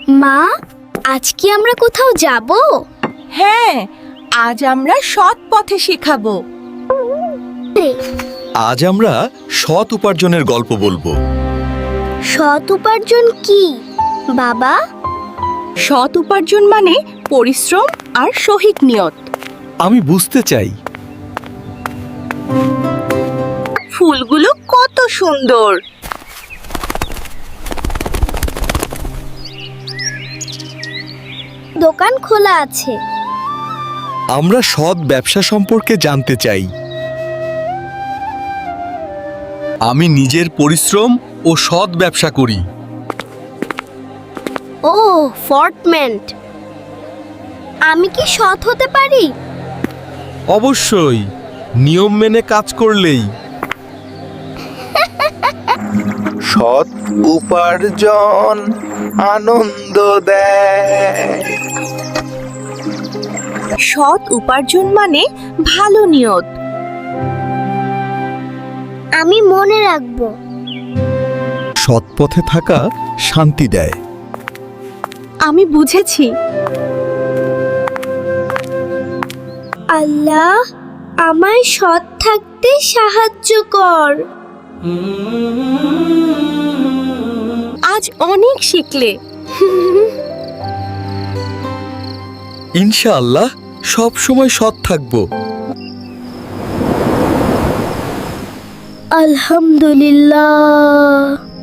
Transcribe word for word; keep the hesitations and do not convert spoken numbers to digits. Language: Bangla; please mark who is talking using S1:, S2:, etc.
S1: মা, আজ কি আমরা কোথাও যাব?
S2: হ্যাঁ, আজ আমরা সৎ পথে শেখাবো।
S3: আজ আমরা সৎ উপার্জনের গল্প বলবো।
S1: সৎ উপার্জন কি বাবা?
S2: সৎ উপার্জন মানে পরিশ্রম আর সহিক নিয়ত।
S3: আমি বুঝতে চাই।
S2: ফুলগুলো কত সুন্দর।
S1: দোকান খোলা আছে।
S3: আমরা সৎ ব্যবসা সম্পর্কে জানতে চাই। আমি নিজের পরিশ্রম ও সৎ ব্যবসা করি।
S1: ও ফর্টমেন্ট, আমি কি সৎ হতে পারি?
S3: অবশ্যই, নিয়ম মেনে কাজ করলেই।
S4: সৎ উপার্জন আনন্দ দেয়।
S2: সৎ উপার্জন মানে ভালো নিয়ত।
S1: আমি মনে রাখবো।
S3: সৎ পথে থাকা শান্তি দেয়।
S2: আমি বুঝেছি।
S1: আল্লাহ, আমায় সৎ থাকতে সাহায্য কর।
S2: আজ অনেক শিখলে।
S3: ইনশাআল্লাহ সব সময় সৎ থাকবো।
S1: আলহামদুলিল্লাহ।